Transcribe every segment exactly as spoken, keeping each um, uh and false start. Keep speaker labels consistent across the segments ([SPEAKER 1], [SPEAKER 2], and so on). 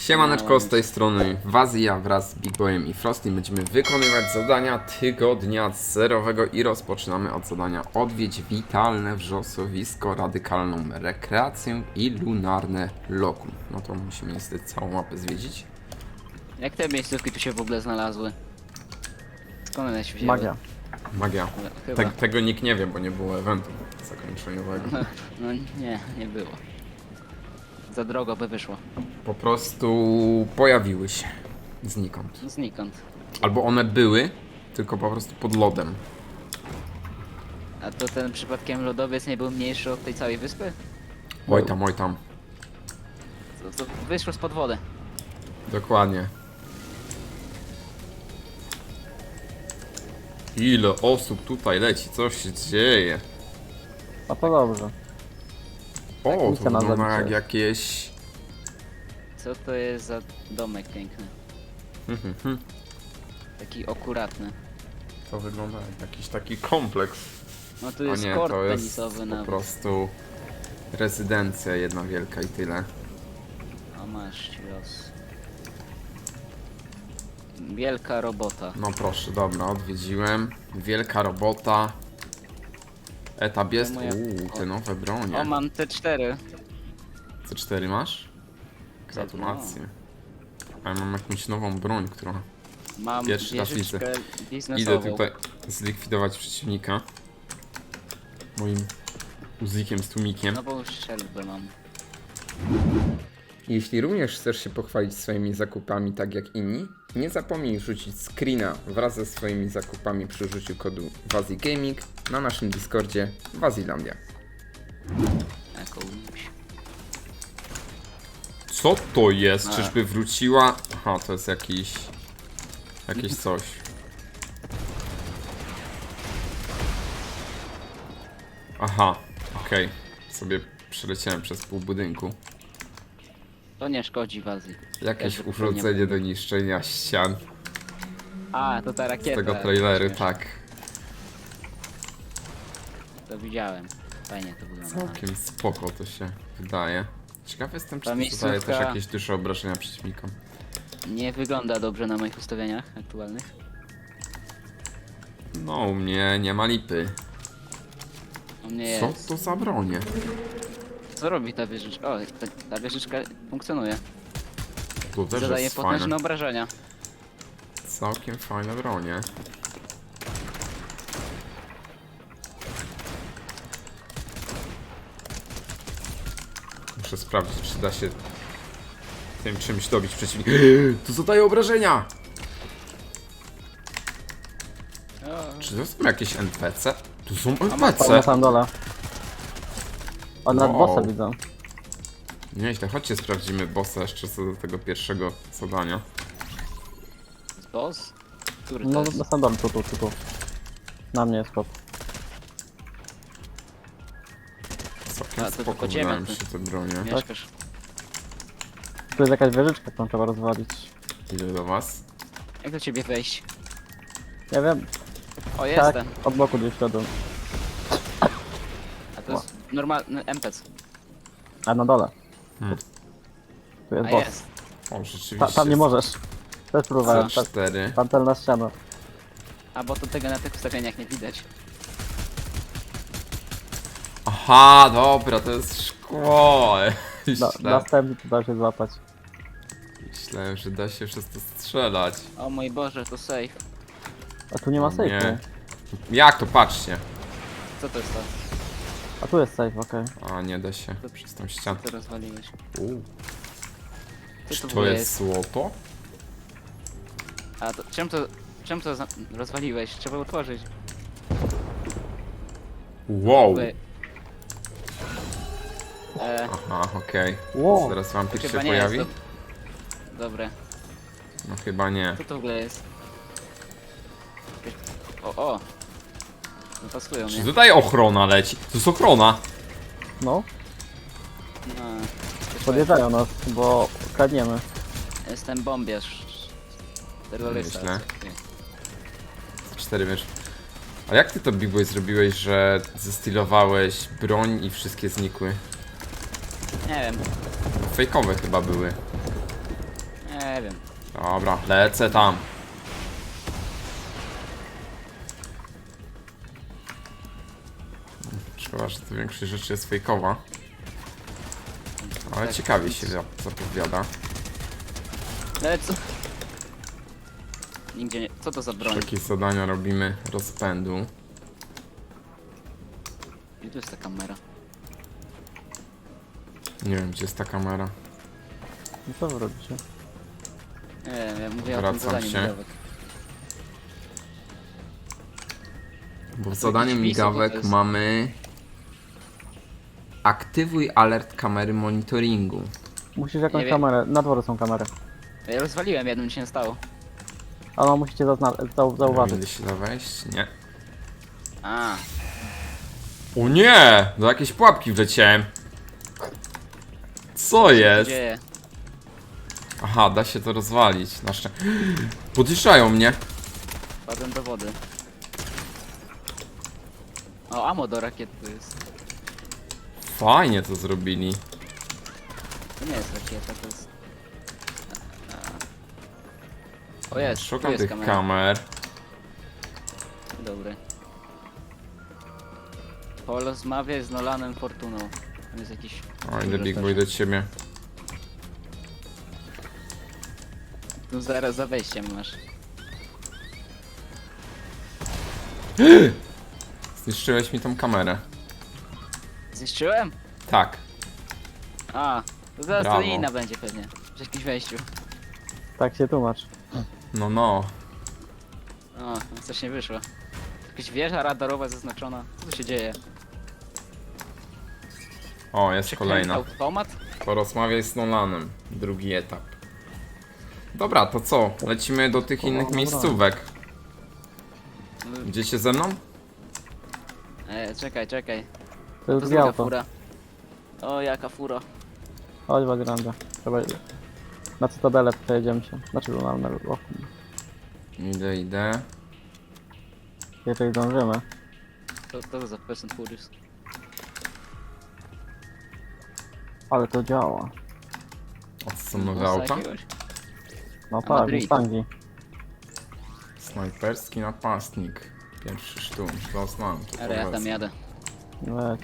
[SPEAKER 1] Siemaneczko, z tej strony Wazja wraz z Big Boyem i Frosty. Będziemy wykonywać zadania tygodnia zerowego i rozpoczynamy od zadania odwiedź witalne wrzosowisko, radykalną rekreację i lunarne lokum. No to musimy niestety całą mapę zwiedzić.
[SPEAKER 2] Jak te miejscówki tu się w ogóle znalazły? Skąd one się wzięły?
[SPEAKER 3] Magia.
[SPEAKER 1] Magia.
[SPEAKER 2] Chyba.
[SPEAKER 1] Te, tego nikt nie wie, bo nie było eventu zakończeniowego.
[SPEAKER 2] No, no nie, nie było. Za drogo by wyszło.
[SPEAKER 1] Po prostu pojawiły się znikąd.
[SPEAKER 2] Znikąd.
[SPEAKER 1] Albo one były, tylko po prostu pod lodem.
[SPEAKER 2] A to ten przypadkiem lodowiec nie był mniejszy od tej całej wyspy?
[SPEAKER 1] Oj tam, oj tam.
[SPEAKER 2] To, to wyszło spod wody.
[SPEAKER 1] Dokładnie. Ile osób tutaj leci, co się dzieje?
[SPEAKER 3] A to dobrze.
[SPEAKER 1] O, to
[SPEAKER 3] misja na
[SPEAKER 1] wygląda jak
[SPEAKER 3] zabicie.
[SPEAKER 1] jakieś...
[SPEAKER 2] Co to jest za domek piękny?
[SPEAKER 1] Hmm, hmm, hmm.
[SPEAKER 2] Taki akuratny.
[SPEAKER 1] To wygląda jak jakiś taki kompleks.
[SPEAKER 2] No tu
[SPEAKER 1] A
[SPEAKER 2] jest
[SPEAKER 1] nie,
[SPEAKER 2] kort
[SPEAKER 1] to jest
[SPEAKER 2] tenisowy
[SPEAKER 1] po
[SPEAKER 2] nawet.
[SPEAKER 1] prostu rezydencja jedna wielka i tyle.
[SPEAKER 2] O masz ci los. Wielka robota.
[SPEAKER 1] No proszę, dobra, odwiedziłem. Wielka robota. Etap jest.
[SPEAKER 2] moja-
[SPEAKER 1] Uuu, te nowe bronie.
[SPEAKER 2] O, mam T cztery.
[SPEAKER 1] C cztery masz? Gratulacje. A ja mam jakąś nową broń, która...
[SPEAKER 2] Mam
[SPEAKER 1] Pierwszy raz
[SPEAKER 2] wieżyczkę
[SPEAKER 1] Idę
[SPEAKER 2] biznesową.
[SPEAKER 1] tutaj zlikwidować przeciwnika. Moim uzikiem z tłumikiem.
[SPEAKER 2] Nową strzelbę mam.
[SPEAKER 1] Jeśli również chcesz się pochwalić swoimi zakupami tak jak inni, nie zapomnij rzucić screena wraz ze swoimi zakupami przy użyciu kodu WazjiGaming na naszym Discordzie Wazilandia.
[SPEAKER 2] Jakąś.
[SPEAKER 1] Co to jest?
[SPEAKER 2] A.
[SPEAKER 1] Czyżby wróciła? Aha, to jest jakiś... Jakieś coś. Aha, okej. Sobie przeleciałem przez pół budynku.
[SPEAKER 2] To nie szkodzi Wazji.
[SPEAKER 1] Jakieś
[SPEAKER 2] Też
[SPEAKER 1] urządzenie do niszczenia ścian.
[SPEAKER 2] A, to ta
[SPEAKER 1] Z
[SPEAKER 2] rakieta.
[SPEAKER 1] tego trailery,
[SPEAKER 2] Śmieszne.
[SPEAKER 1] tak.
[SPEAKER 2] To widziałem. Fajnie to wygląda.
[SPEAKER 1] Całkiem spoko to się wydaje. Ciekawy jestem, czy
[SPEAKER 2] Ta
[SPEAKER 1] to zadaje też
[SPEAKER 2] miejscówka-
[SPEAKER 1] jakieś duże obrażenia przeciwnikom.
[SPEAKER 2] Nie wygląda dobrze na moich ustawieniach aktualnych.
[SPEAKER 1] No, u mnie nie ma lipy.
[SPEAKER 2] U mnie
[SPEAKER 1] Co
[SPEAKER 2] jest.
[SPEAKER 1] to za bronie?
[SPEAKER 2] Co robi ta wieżyczka? O, ta, ta wieżyczka funkcjonuje.
[SPEAKER 1] To też
[SPEAKER 2] Zadaje
[SPEAKER 1] jest
[SPEAKER 2] potężne
[SPEAKER 1] fajne.
[SPEAKER 2] obrażenia.
[SPEAKER 1] Całkiem fajne bronie. Muszę sprawdzić, czy da się tym czymś dobić przeciwnika. To zadaje obrażenia!
[SPEAKER 2] O,
[SPEAKER 1] Czy to są jakieś N P C? Tu są
[SPEAKER 3] Tam
[SPEAKER 1] N
[SPEAKER 3] na
[SPEAKER 1] P C!
[SPEAKER 3] samym dole. O, nad
[SPEAKER 1] Wow.
[SPEAKER 3] bossa widzę.
[SPEAKER 1] Nieźle, chodźcie sprawdzimy bossa jeszcze co do tego pierwszego zadania.
[SPEAKER 2] boss? Który to
[SPEAKER 3] No,
[SPEAKER 2] jest?
[SPEAKER 3] na samym dole, tu, tu, tu, tu. Na mnie jest kot.
[SPEAKER 1] Całkiem
[SPEAKER 2] A, to
[SPEAKER 1] spoko
[SPEAKER 2] tylko ciebie,
[SPEAKER 1] wydają
[SPEAKER 2] ty.
[SPEAKER 1] się te bronie.
[SPEAKER 2] Mieszkasz.
[SPEAKER 3] Tu jest jakaś wieżyczka, którą trzeba rozwalić.
[SPEAKER 1] Idę do was.
[SPEAKER 2] Jak do ciebie wejść?
[SPEAKER 3] Nie wiem,
[SPEAKER 2] O,
[SPEAKER 3] tak,
[SPEAKER 2] jestem.
[SPEAKER 3] od boku gdzieś szedłem.
[SPEAKER 2] A to jest normalny M P C.
[SPEAKER 3] A na dole.
[SPEAKER 1] Hmm.
[SPEAKER 3] Tu jest
[SPEAKER 2] A
[SPEAKER 3] boss.
[SPEAKER 2] jest.
[SPEAKER 1] O, rzeczywiście.
[SPEAKER 3] Ta, tam nie możesz. Też próbowałem.
[SPEAKER 1] C
[SPEAKER 3] Ta,
[SPEAKER 1] cztery.
[SPEAKER 3] pantelna ściana.
[SPEAKER 2] A bo to tego na tych ustawieniach nie widać.
[SPEAKER 1] Aha, dobra, to jest szkło.
[SPEAKER 3] Na,
[SPEAKER 1] Myślę,
[SPEAKER 3] następny tu da się złapać.
[SPEAKER 1] myślałem, że da się przez to strzelać.
[SPEAKER 2] O mój Boże, to safe.
[SPEAKER 3] A tu nie ma
[SPEAKER 1] O nie.
[SPEAKER 3] safe'u.
[SPEAKER 1] Jak to? Patrzcie.
[SPEAKER 2] Co to jest to?
[SPEAKER 3] A tu jest safe, okej.
[SPEAKER 1] A, nie da się przez tą ścianę.
[SPEAKER 2] Co rozwaliłeś?
[SPEAKER 1] Uuu.
[SPEAKER 2] Co
[SPEAKER 1] Czy
[SPEAKER 2] to w
[SPEAKER 1] to
[SPEAKER 2] ogóle
[SPEAKER 1] jest złoto?
[SPEAKER 2] A to czym to, czym to za- rozwaliłeś? Trzeba otworzyć.
[SPEAKER 1] Wow.
[SPEAKER 2] By... E,
[SPEAKER 1] Aha, okej.
[SPEAKER 3] Wow.
[SPEAKER 1] Zaraz wampir się
[SPEAKER 2] chyba nie
[SPEAKER 1] pojawi?
[SPEAKER 2] jest to... Dobre.
[SPEAKER 1] No chyba nie.
[SPEAKER 2] Co to w ogóle jest? O, o! No pasują
[SPEAKER 1] Czy
[SPEAKER 2] mnie.
[SPEAKER 1] tutaj ochrona leci? To jest ochrona.
[SPEAKER 3] No,
[SPEAKER 2] No,
[SPEAKER 3] podjeżdżają nas, bo kradniemy.
[SPEAKER 2] jestem bombiarz. Terrorysta.
[SPEAKER 1] Myślę. Cztery wiesz. A jak ty to Big Boy zrobiłeś, że zestylowałeś broń i wszystkie znikły?
[SPEAKER 2] Nie wiem.
[SPEAKER 1] Fejkowe chyba były.
[SPEAKER 2] Nie wiem.
[SPEAKER 1] Dobra, lecę tam. Szkoda, że to większość rzeczy jest fejkowa. Ale
[SPEAKER 2] Tak,
[SPEAKER 1] ciekawie się za- zapowiada.
[SPEAKER 2] Ale co? Nigdzie nie... Co to za broń?
[SPEAKER 1] Jakie zadania robimy rozpędu.
[SPEAKER 2] Gdzie tu jest ta kamera?
[SPEAKER 1] Nie wiem, gdzie jest ta kamera.
[SPEAKER 3] No co wy robicie?
[SPEAKER 2] Nie wiem, ja mówię o tym
[SPEAKER 1] Wracam
[SPEAKER 2] zadaniu
[SPEAKER 1] się.
[SPEAKER 2] migawek.
[SPEAKER 1] Bo w
[SPEAKER 2] jakiś
[SPEAKER 1] zadaniu
[SPEAKER 2] wpis,
[SPEAKER 1] migawek
[SPEAKER 2] to jest-
[SPEAKER 1] mamy... Aktywuj alert kamery monitoringu.
[SPEAKER 3] Musisz jakąś
[SPEAKER 2] Nie wiem.
[SPEAKER 3] kamerę, na dworze są kamery.
[SPEAKER 2] Ja rozwaliłem, jednym mi się nie stało.
[SPEAKER 3] A no musicie zazna- zau
[SPEAKER 1] Nie
[SPEAKER 3] zauważyć.
[SPEAKER 1] się da wejść? Nie.
[SPEAKER 2] A,
[SPEAKER 1] O nie! Do jakiejś pułapki wleciałem. Co
[SPEAKER 2] co się
[SPEAKER 1] jest?
[SPEAKER 2] dzieje?
[SPEAKER 1] Aha, da się to rozwalić. Na szczę... Podjeżdżają mnie.
[SPEAKER 2] Wpadłem do wody. O, ammo do rakiet tu jest.
[SPEAKER 1] Fajnie to zrobili.
[SPEAKER 2] To nie jest rakieta, to jest... O jest, tu
[SPEAKER 1] Szukam
[SPEAKER 2] jest
[SPEAKER 1] tych
[SPEAKER 2] kamera.
[SPEAKER 1] kamer.
[SPEAKER 2] Dobry. Porozmawiaj z Nolanem Fortuną. Tam jest jakiś...
[SPEAKER 1] O, idę Big Boy do ciebie.
[SPEAKER 2] Tu zaraz za wejściem masz.
[SPEAKER 1] Zniszczyłeś mi tą kamerę.
[SPEAKER 2] Zniszczyłem?
[SPEAKER 1] Tak.
[SPEAKER 2] A, to zaraz to
[SPEAKER 1] Brawo.
[SPEAKER 2] inna będzie pewnie. Przy jakimś wejściu.
[SPEAKER 3] Tak się tłumacz.
[SPEAKER 1] No, no.
[SPEAKER 2] O, no coś nie wyszło. Jakaś wieża radarowa zaznaczona. Co tu się dzieje?
[SPEAKER 1] O, jest kolejna.
[SPEAKER 2] Automat?
[SPEAKER 1] Porozmawiaj z Nolanem. Drugi etap. Dobra, to co? Lecimy do tych innych
[SPEAKER 3] dobra.
[SPEAKER 1] miejscówek. Idziecie ze mną?
[SPEAKER 2] E, czekaj, czekaj.
[SPEAKER 3] To
[SPEAKER 2] To
[SPEAKER 3] jest
[SPEAKER 2] jest
[SPEAKER 3] dwie
[SPEAKER 2] druga
[SPEAKER 3] auto.
[SPEAKER 2] fura. O, jaka fura.
[SPEAKER 3] Chodź Wagranda. Trzeba... Na Cytadelę przejedziemy się. Znaczy na na roku.
[SPEAKER 1] Idę, idę.
[SPEAKER 3] Jeżeli zdążymy.
[SPEAKER 2] To, to za Fast Furious.
[SPEAKER 3] Ale to działa.
[SPEAKER 1] O, co są nowe
[SPEAKER 2] Musa
[SPEAKER 1] auta?
[SPEAKER 2] jakiegoś?
[SPEAKER 3] No
[SPEAKER 2] A
[SPEAKER 3] tak,
[SPEAKER 2] Madrid.
[SPEAKER 3] Mustangi.
[SPEAKER 1] Snajperski napastnik. Pierwszy sztum. To znam. to
[SPEAKER 2] Ale ja tam
[SPEAKER 1] polecam.
[SPEAKER 2] jadę.
[SPEAKER 3] Leć.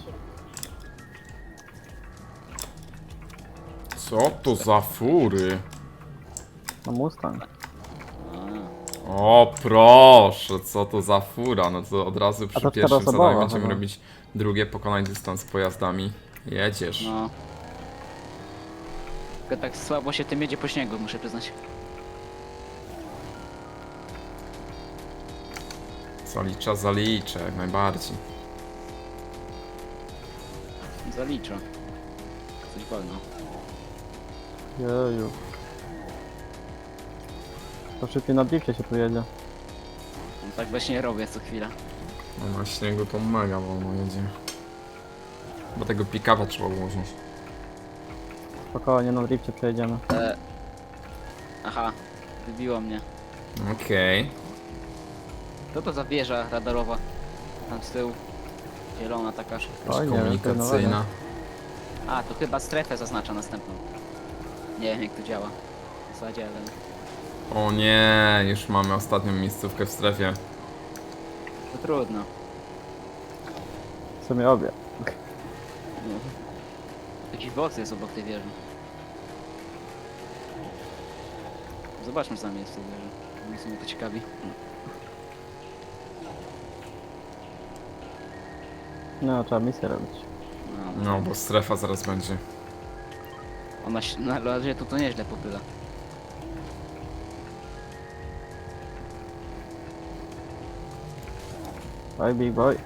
[SPEAKER 1] Co to za fury?
[SPEAKER 3] No Mustang.
[SPEAKER 2] A,
[SPEAKER 1] O proszę, co to za fura? No to od razu przy
[SPEAKER 3] to
[SPEAKER 1] pierwszym
[SPEAKER 3] czteroosobowa
[SPEAKER 1] zadaniu będziemy
[SPEAKER 3] chyba.
[SPEAKER 1] robić drugie, pokonać dystans pojazdami. Jedziesz.
[SPEAKER 2] no. Tylko tak słabo się tym jedzie po śniegu, muszę przyznać.
[SPEAKER 1] Zalicza, zaliczę, jak najbardziej.
[SPEAKER 2] Zaliczę. Coś wolno.
[SPEAKER 3] Jeju. To szybciej na drifcie się tu jedzie.
[SPEAKER 2] No, tak właśnie robię co chwila.
[SPEAKER 1] No na śniegu to mega wolno jedzie. Bo tego pick-upa trzeba ułożyć.
[SPEAKER 3] Spokojnie, na drifcie przejedziemy.
[SPEAKER 2] E... Aha, wybiło mnie.
[SPEAKER 1] Okej.
[SPEAKER 2] Co to za wieża radarowa? Tam z tyłu. Zielona taka.
[SPEAKER 3] Oj, nie wiem,
[SPEAKER 1] Komunikacyjna.
[SPEAKER 2] A, to chyba strefę zaznacza następną. Nie wiem jak to działa. W zasadzie, ale...
[SPEAKER 1] O nie, już mamy ostatnią miejscówkę w strefie.
[SPEAKER 2] To trudno.
[SPEAKER 3] W sumie obie.
[SPEAKER 2] No. Jakiś box jest obok tej wieży. Zobaczmy co tam jest w tej wieży. Mnie w sumie to ciekawi.
[SPEAKER 3] No, trzeba misję robić.
[SPEAKER 2] No,
[SPEAKER 1] No, bo strefa zaraz będzie.
[SPEAKER 2] ona się, na razie tu to nieźle popyla.
[SPEAKER 3] Oj, big boy.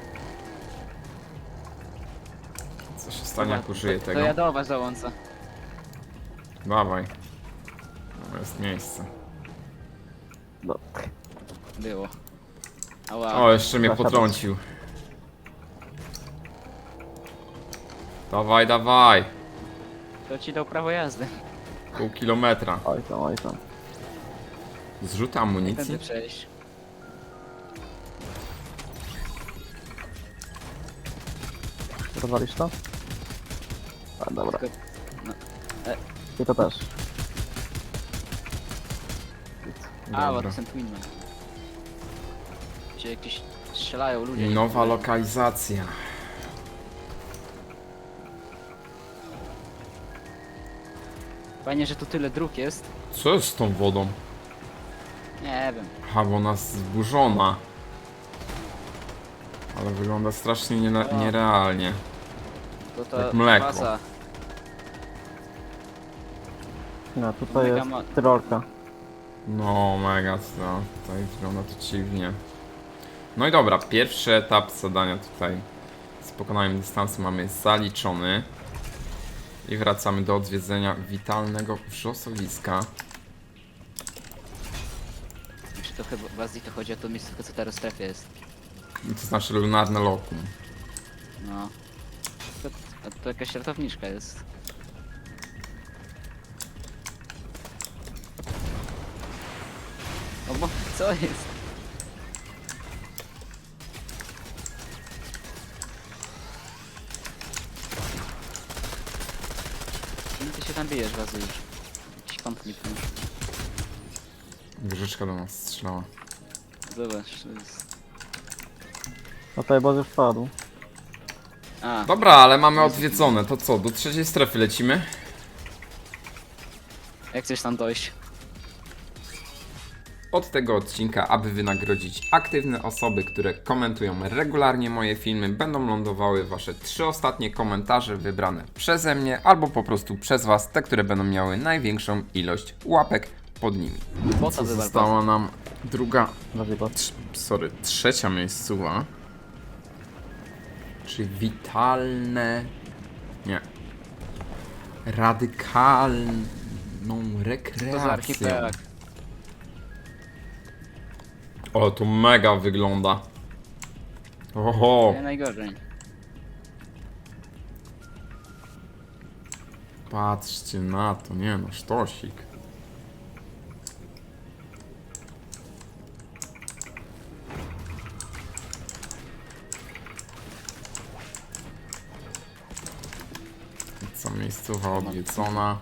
[SPEAKER 1] Co się stanie, jak użyję
[SPEAKER 2] to,
[SPEAKER 1] tego?
[SPEAKER 2] To ja do was załączę.
[SPEAKER 1] Dawaj. To jest miejsce.
[SPEAKER 3] No.
[SPEAKER 2] Było. Ała.
[SPEAKER 1] O, jeszcze mnie
[SPEAKER 3] Zasiadać.
[SPEAKER 1] potrącił. Dawaj, dawaj.
[SPEAKER 2] To ci dał prawo jazdy.
[SPEAKER 1] Pół kilometra.
[SPEAKER 3] Oj tam, oj tam.
[SPEAKER 1] Zrzut
[SPEAKER 2] Tędy
[SPEAKER 1] amunicji?
[SPEAKER 2] przejść.
[SPEAKER 3] Rozwalisz to? A, dobra.
[SPEAKER 2] Tylko-
[SPEAKER 3] I to też.
[SPEAKER 2] A, bo
[SPEAKER 1] Dobra.
[SPEAKER 2] to są Twinman. Gdzie jakieś strzelają ludzie.
[SPEAKER 1] I nowa lokalizacja.
[SPEAKER 2] Fajnie, że tu tyle dróg jest.
[SPEAKER 1] Co jest z tą wodą?
[SPEAKER 2] Nie wiem.
[SPEAKER 1] Aha, bo ona jest zburzona. Ale wygląda strasznie nie- nierealnie.
[SPEAKER 2] To to
[SPEAKER 1] Jak mleko.
[SPEAKER 2] baza.
[SPEAKER 3] No, tutaj
[SPEAKER 2] Mega
[SPEAKER 3] jest
[SPEAKER 2] ma-
[SPEAKER 3] Tyrolka.
[SPEAKER 1] No, mega, no, tutaj wygląda to dziwnie. No i dobra, pierwszy etap zadania tutaj z pokonaniem dystansu mamy zaliczony. I wracamy do odwiedzenia witalnego wrzosowiska.
[SPEAKER 2] Czy to chyba w Azji to chodzi o to miejscówkę, co teraz w strefie jest.
[SPEAKER 1] To znaczy lunarne lokum.
[SPEAKER 2] No. To, to, to jakaś ratowniczka jest. O bo, co jest? Czym ty się tam bijesz, Wazy, już? Jakiś konflikt już.
[SPEAKER 1] Wieżyczka do nas strzelała.
[SPEAKER 2] Zobacz, to jest...
[SPEAKER 3] No tutaj boss już padł.
[SPEAKER 2] A,
[SPEAKER 1] Dobra, ale mamy odwiedzone. To co, do trzeciej strefy lecimy?
[SPEAKER 2] jak chcesz tam dojść?
[SPEAKER 1] Od tego odcinka, aby wynagrodzić aktywne osoby, które komentują regularnie moje filmy, będą lądowały wasze trzy ostatnie komentarze wybrane przeze mnie albo po prostu przez was, te, które będą miały największą ilość łapek pod nimi.
[SPEAKER 2] Po
[SPEAKER 1] Co
[SPEAKER 2] co wywal
[SPEAKER 1] została nam druga,
[SPEAKER 3] Bardziej boss.
[SPEAKER 1] trz, sorry, trzecia miejscowa. Czyli witalne... Nie. Radykalną
[SPEAKER 2] To za
[SPEAKER 1] rekreację.
[SPEAKER 2] archipelag.
[SPEAKER 1] O, to mega wygląda. Oho,
[SPEAKER 2] Nie najgorzej.
[SPEAKER 1] patrzcie na to, nie no, sztosik. Co miejscowa odwiedzona.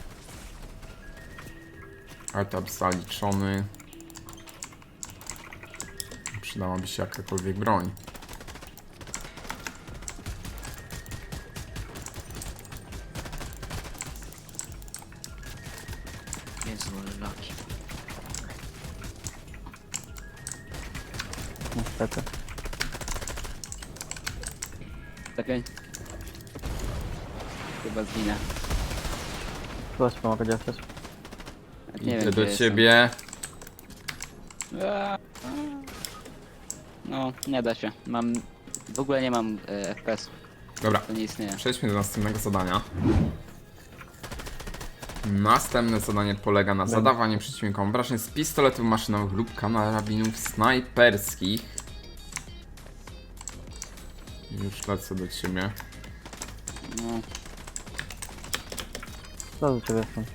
[SPEAKER 1] Etap zaliczony. Przydałaby się jakakolwiek broń.
[SPEAKER 2] Jezu, ale laki.
[SPEAKER 3] Niestety.
[SPEAKER 2] Czekaj. Chyba zginę.
[SPEAKER 3] Coś pomogę, gdzie jesteś?
[SPEAKER 2] Nie
[SPEAKER 1] Idę
[SPEAKER 2] wiem,
[SPEAKER 1] do
[SPEAKER 2] gdzie
[SPEAKER 1] ciebie.
[SPEAKER 2] jestem. Aaa. No, nie da się. Mam... W ogóle nie mam e, F P S.
[SPEAKER 1] Dobra,
[SPEAKER 2] To nie istnieje.
[SPEAKER 1] przejdźmy do następnego zadania. Następne zadanie polega na zadawaniu przeciwnikom obrażeń z pistoletów maszynowych lub karabinów snajperskich. Już lecę do ciebie.
[SPEAKER 2] No,
[SPEAKER 3] Co do ciebie jestem?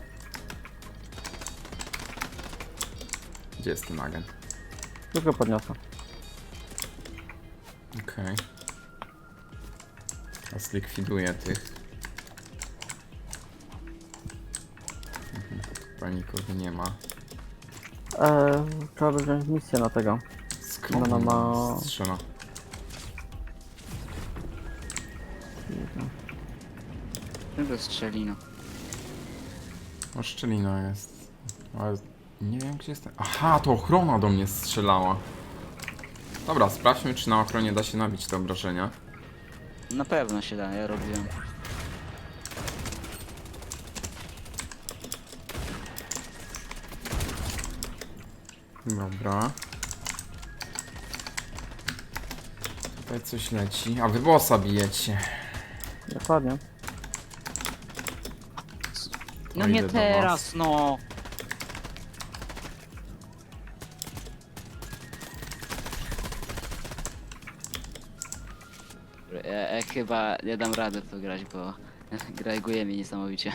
[SPEAKER 1] Gdzie jest ten agent?
[SPEAKER 3] Tylko podniosę.
[SPEAKER 1] Okej. A zlikwiduję tych. Mhm, tutaj nikogo nie ma.
[SPEAKER 3] Eee, trzeba by wziąć misję na tego.
[SPEAKER 1] Skąd
[SPEAKER 3] No, no,
[SPEAKER 1] on
[SPEAKER 3] ma-
[SPEAKER 1] strzela?
[SPEAKER 2] tylko strzelino.
[SPEAKER 1] O, szczelina jest. Ale nie wiem gdzie jest. Aha, to ochrona do mnie strzelała. Dobra, sprawdźmy czy na ochronie da się nabić te obrażenia.
[SPEAKER 2] Na pewno się da, ja robiłem.
[SPEAKER 1] Dobra. Tutaj coś leci. A wy bossa bijecie.
[SPEAKER 3] Dokładnie.
[SPEAKER 2] No
[SPEAKER 1] O,
[SPEAKER 2] nie
[SPEAKER 1] idę do
[SPEAKER 2] teraz, no! Ja, ja chyba nie dam rady w to grać, bo grajguje mi niesamowicie.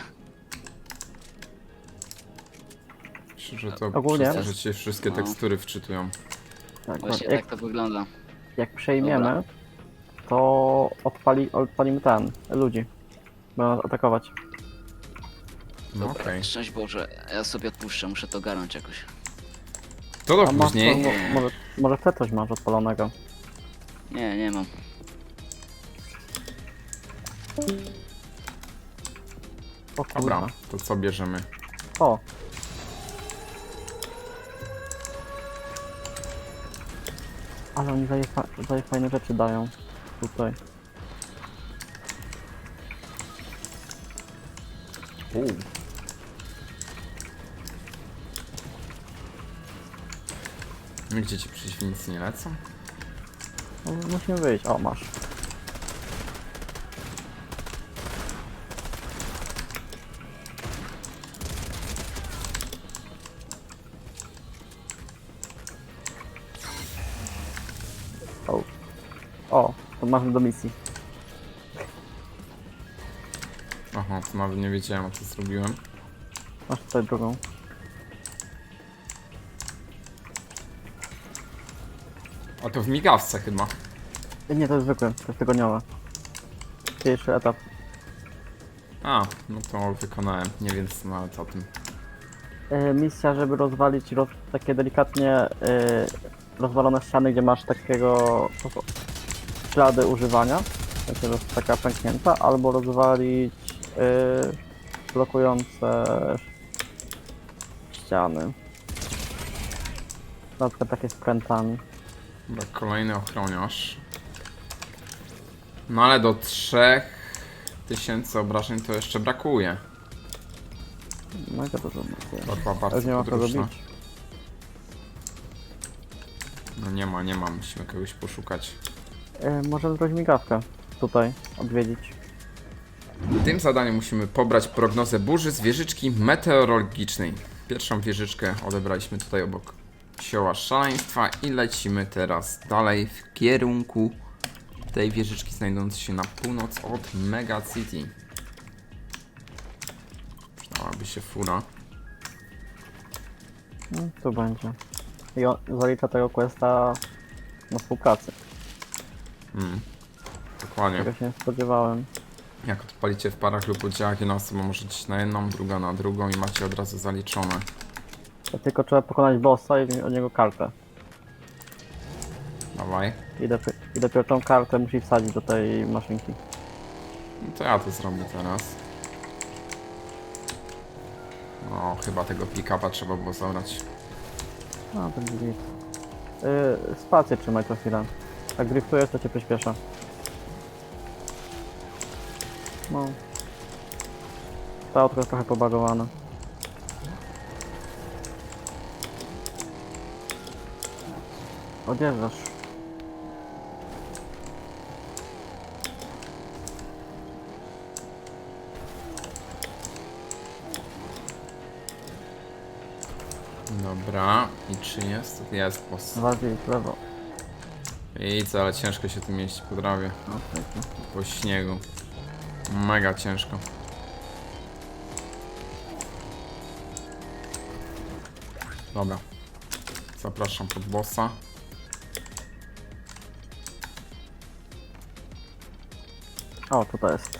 [SPEAKER 1] Myślę, że to
[SPEAKER 3] Ogólnie-
[SPEAKER 1] przez to, że cię wszystkie
[SPEAKER 2] No.
[SPEAKER 1] tekstury wczytują.
[SPEAKER 3] Tak,
[SPEAKER 2] Właśnie
[SPEAKER 3] jak,
[SPEAKER 2] tak to wygląda.
[SPEAKER 3] jak przejmiemy,
[SPEAKER 2] Dobra.
[SPEAKER 3] to odpali, odpalimy ten, ludzi. Będą atakować.
[SPEAKER 1] No okej.
[SPEAKER 2] Szczęść Boże, ja sobie odpuszczę, muszę to garnąć jakoś.
[SPEAKER 1] To do
[SPEAKER 3] A masz,
[SPEAKER 1] później.
[SPEAKER 3] mo- może, może ty coś masz odpalonego?
[SPEAKER 2] Nie, nie mam.
[SPEAKER 3] O
[SPEAKER 1] Dobra,
[SPEAKER 3] kurwa.
[SPEAKER 1] to co bierzemy?
[SPEAKER 3] O! Ale oni daje, fa daje fajne rzeczy dają. Tutaj.
[SPEAKER 1] Uuu. No gdzie ci przeciwnicy nie lecą?
[SPEAKER 3] No, musimy wyjść. O, masz. O. O, to masz do misji.
[SPEAKER 1] Aha, to nawet nie wiedziałem o co zrobiłem.
[SPEAKER 3] Masz tutaj drugą.
[SPEAKER 1] A to w migawce chyba.
[SPEAKER 3] Nie, to jest zwykłe, to jest tygodniowe. Pierwszy etap.
[SPEAKER 1] A, no to wykonałem. Nie wiem co nawet o tym.
[SPEAKER 3] E, misja, żeby rozwalić roz, takie delikatnie e, rozwalone ściany, gdzie masz takiego po- ślady używania, znaczy, że jest taka pęknięta, albo rozwalić e, blokujące ściany. Na przykład takie z prętami.
[SPEAKER 1] Dobra, kolejny ochroniarz. No ale do trzech tysięcy obrażeń to jeszcze brakuje.
[SPEAKER 3] Mega dużo brakuje.
[SPEAKER 1] To chyba
[SPEAKER 3] Już
[SPEAKER 1] bardzo
[SPEAKER 3] nie ma kogo
[SPEAKER 1] podróżna.
[SPEAKER 3] bić.
[SPEAKER 1] No nie ma, nie ma, musimy kogoś poszukać.
[SPEAKER 3] E, możemy zrobić migawkę tutaj, odwiedzić.
[SPEAKER 1] W tym zadaniu musimy pobrać prognozę burzy z wieżyczki meteorologicznej. Pierwszą wieżyczkę odebraliśmy tutaj obok Sioła Szaleństwa i lecimy teraz dalej w kierunku tej wieżyczki znajdującej się na północ od Mega City. Przydałaby się fura.
[SPEAKER 3] No, tu będzie. I on zalicza tego questa na współpracy.
[SPEAKER 1] Mm. Dokładnie.
[SPEAKER 3] Tego się nie spodziewałem.
[SPEAKER 1] Jak odpalicie w parach lub oddziałach, jedna osoba może iść na jedną, druga na drugą i macie od razu zaliczone.
[SPEAKER 3] To tylko trzeba pokonać bossa i wziąć od niego kartę.
[SPEAKER 1] Dawaj.
[SPEAKER 3] I, dopiero, I dopiero tą kartę musi wsadzić do tej maszynki.
[SPEAKER 1] No to ja to zrobię teraz. No, chyba tego pick-upa trzeba było zabrać.
[SPEAKER 3] No, to będzie git. Yy, spację trzymaj co chwilę. Jak driftujesz, to cię przyspiesza. No. To autko jest trochę pobagowane. Odjeżdżasz.
[SPEAKER 1] Dobra, i czy jest? Jest, boss.
[SPEAKER 3] Bardziej w lewo.
[SPEAKER 1] I co, ale ciężko się tym jeździć po drawie,
[SPEAKER 3] No, pięknie.
[SPEAKER 1] po śniegu. Mega ciężko. Dobra. Zapraszam pod bossa.
[SPEAKER 3] O, tutaj jest.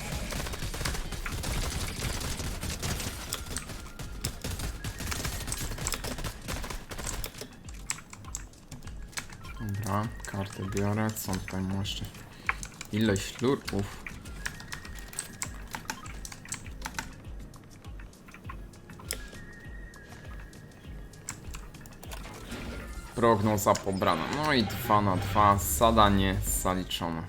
[SPEAKER 1] Dobra, kartę biorę. Co tutaj mam jeszcze? Ileś lurków. Prognoza pobrana. No i dwa na dwa. Zadanie zaliczone.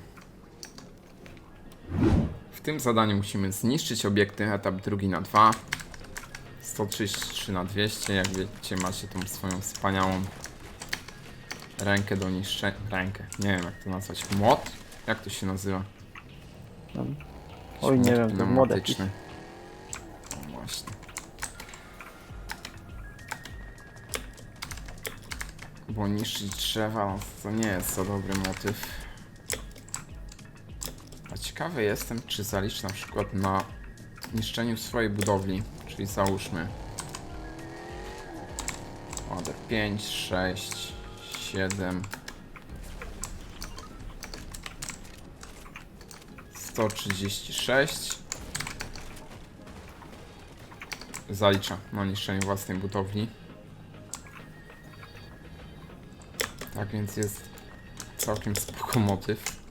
[SPEAKER 1] W tym zadaniu musimy zniszczyć obiekty. Etap drugi na dwa. sto trzydzieści trzy na dwieście. Jak wiecie, macie tą swoją wspaniałą rękę do niszczenia. Rękę. Nie wiem jak to nazwać. Młot? Jak to się nazywa?
[SPEAKER 3] Tam.
[SPEAKER 1] Jakiś
[SPEAKER 3] Oj, nie
[SPEAKER 1] młot
[SPEAKER 3] wiem, to młot
[SPEAKER 1] pneumatyczny. O właśnie. Bo niszczyć drzewa no, to nie jest za dobry motyw. A ciekawy jestem, czy zalicz na przykład na niszczeniu swojej budowli. Czyli załóżmy ładę pięć, sześć, siedem, sto trzydzieści sześć. Zalicza na niszczeniu własnej budowli. Tak więc jest całkiem spoko motyw.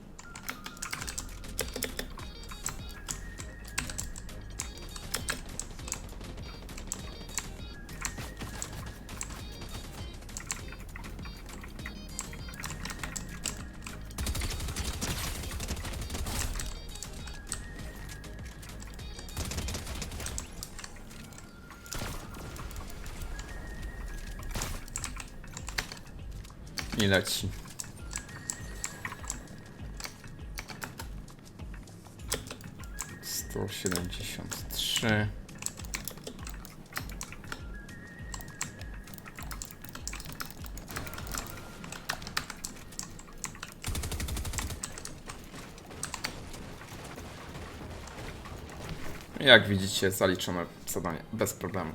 [SPEAKER 1] I leci. sto siedemdziesiąt trzy. Jak widzicie, zaliczone zadanie bez problemu.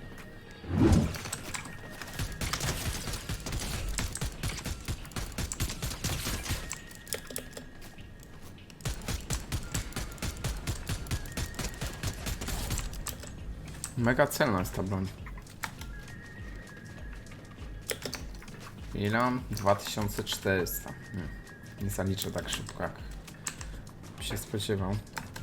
[SPEAKER 1] Mega celna jest ta broń. Ile? dwa tysiące czterysta. Nie, nie zaliczę tak szybko, jak się spodziewał.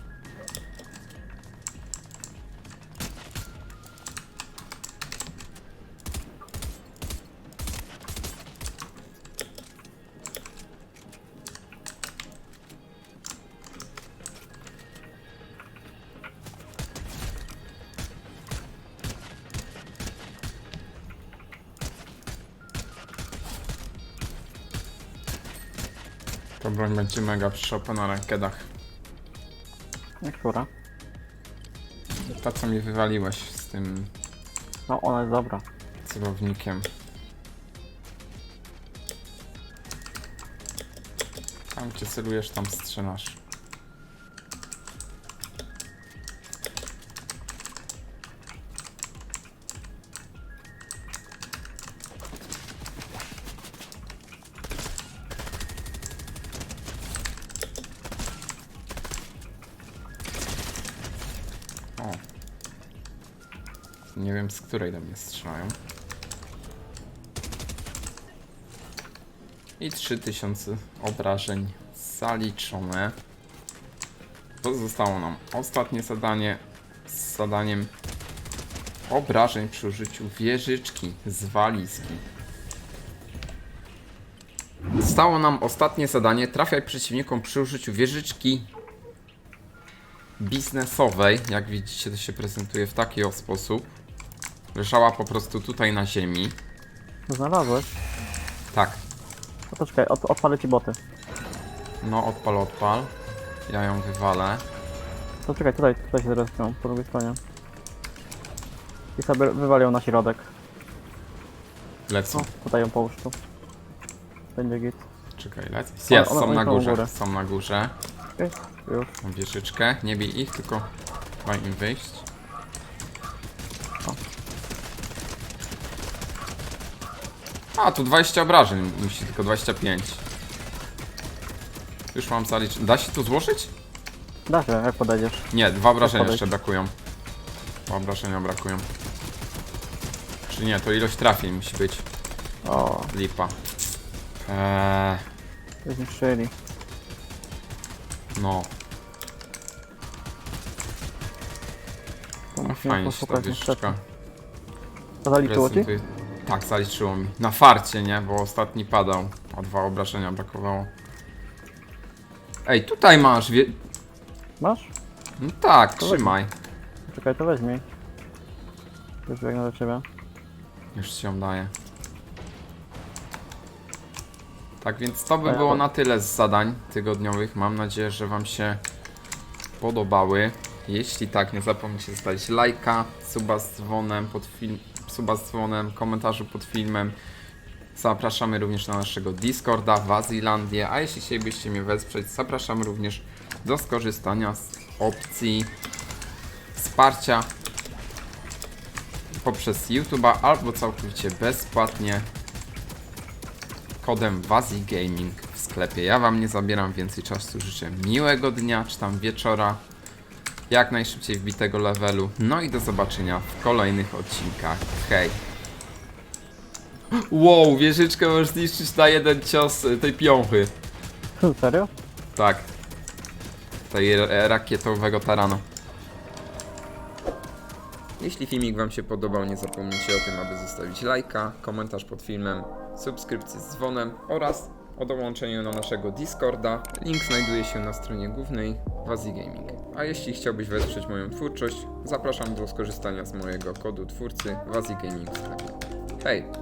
[SPEAKER 1] Ta broń będzie mega przyszła na rankedach.
[SPEAKER 3] Która?
[SPEAKER 1] Ta, co mi wywaliłeś z tym
[SPEAKER 3] No, ona jest dobra.
[SPEAKER 1] celownikiem. Tam gdzie celujesz, tam strzelasz. O. Nie wiem, z której do mnie strzelają. I trzy tysiące obrażeń zaliczone. Pozostało nam ostatnie zadanie z zadaniem obrażeń przy użyciu wieżyczki z walizki. Zostało nam ostatnie zadanie. Trafiaj przeciwnikom przy użyciu wieżyczki biznesowej. Jak widzicie, to się prezentuje w taki o sposób. Leżała po prostu tutaj na ziemi.
[SPEAKER 3] Znalazłeś?
[SPEAKER 1] Tak.
[SPEAKER 3] No to czekaj, od, odpalę ci boty.
[SPEAKER 1] No, odpal, odpal. Ja ją wywalę.
[SPEAKER 3] To czekaj, tutaj, tutaj się zrespią, po drugiej stronie. I sobie wywalią na środek.
[SPEAKER 1] Lecą.
[SPEAKER 3] No, tutaj ją połóż tu. Będzie git.
[SPEAKER 1] Czekaj, lecą.
[SPEAKER 3] O,
[SPEAKER 1] Jest,
[SPEAKER 3] one-
[SPEAKER 1] są
[SPEAKER 3] one
[SPEAKER 1] na
[SPEAKER 3] są u
[SPEAKER 1] górze.
[SPEAKER 3] góry.
[SPEAKER 1] Są na górze.
[SPEAKER 3] Okej, już.
[SPEAKER 1] Mam wieżyczkę. Nie bij ich, tylko daj im wyjść.
[SPEAKER 3] O.
[SPEAKER 1] A, tu dwadzieścia obrażeń musi, tylko dwadzieścia pięć. Już mam zaliczyć. Da się tu złożyć?
[SPEAKER 3] Da się, jak podejdziesz.
[SPEAKER 1] Nie, dwa obrażenia
[SPEAKER 3] podejść.
[SPEAKER 1] jeszcze brakują. Dwa obrażenia brakują. Czy nie, to ilość trafień musi być.
[SPEAKER 3] O,
[SPEAKER 1] Lipa. Eee,
[SPEAKER 3] zniszczyli.
[SPEAKER 1] no,
[SPEAKER 3] To
[SPEAKER 1] no
[SPEAKER 3] musimy
[SPEAKER 1] fajnie się ta
[SPEAKER 3] poszukać niestety.
[SPEAKER 1] wieżyczka
[SPEAKER 3] To zaliczyło ci?
[SPEAKER 1] prezentuje. Tak, zaliczyło mi. Na farcie, nie? Bo ostatni padał. O dwa obrażenia brakowało. Ej, tutaj masz wie...
[SPEAKER 3] Masz?
[SPEAKER 1] No tak,
[SPEAKER 3] To
[SPEAKER 1] trzymaj.
[SPEAKER 3] Czekaj, to weźmij. Już biegnę do ciebie.
[SPEAKER 1] Już ci ją daję. Tak więc to by
[SPEAKER 3] A ja
[SPEAKER 1] było
[SPEAKER 3] to-
[SPEAKER 1] na tyle z zadań tygodniowych. Mam nadzieję, że wam się podobały. Jeśli tak, nie zapomnijcie zostawić lajka, suba z dzwonem pod film, suba z dzwonem, komentarzu pod filmem. Zapraszamy również na naszego Discorda w Azilandię, a jeśli chcielibyście mnie wesprzeć, zapraszamy również do skorzystania z opcji wsparcia poprzez YouTube'a albo całkowicie bezpłatnie kodem WaziGaming w sklepie. Ja wam nie zabieram więcej czasu, życzę miłego dnia czy tam wieczora, jak najszybciej wbitego levelu, no i do zobaczenia w kolejnych odcinkach. Hej! Wow, wieżyczkę możesz zniszczyć na jeden cios y, tej piąchy.
[SPEAKER 3] Serio?
[SPEAKER 1] Tak. Tej e, rakietowego tarana. Jeśli filmik wam się podobał, nie zapomnijcie o tym, aby zostawić lajka, komentarz pod filmem, subskrypcję z dzwonem oraz o dołączeniu na naszego Discorda. Link znajduje się na stronie głównej Wazi Gaming. A jeśli chciałbyś wesprzeć moją twórczość, zapraszam do skorzystania z mojego kodu twórcy Wazi Gaming w sklepie. Hej!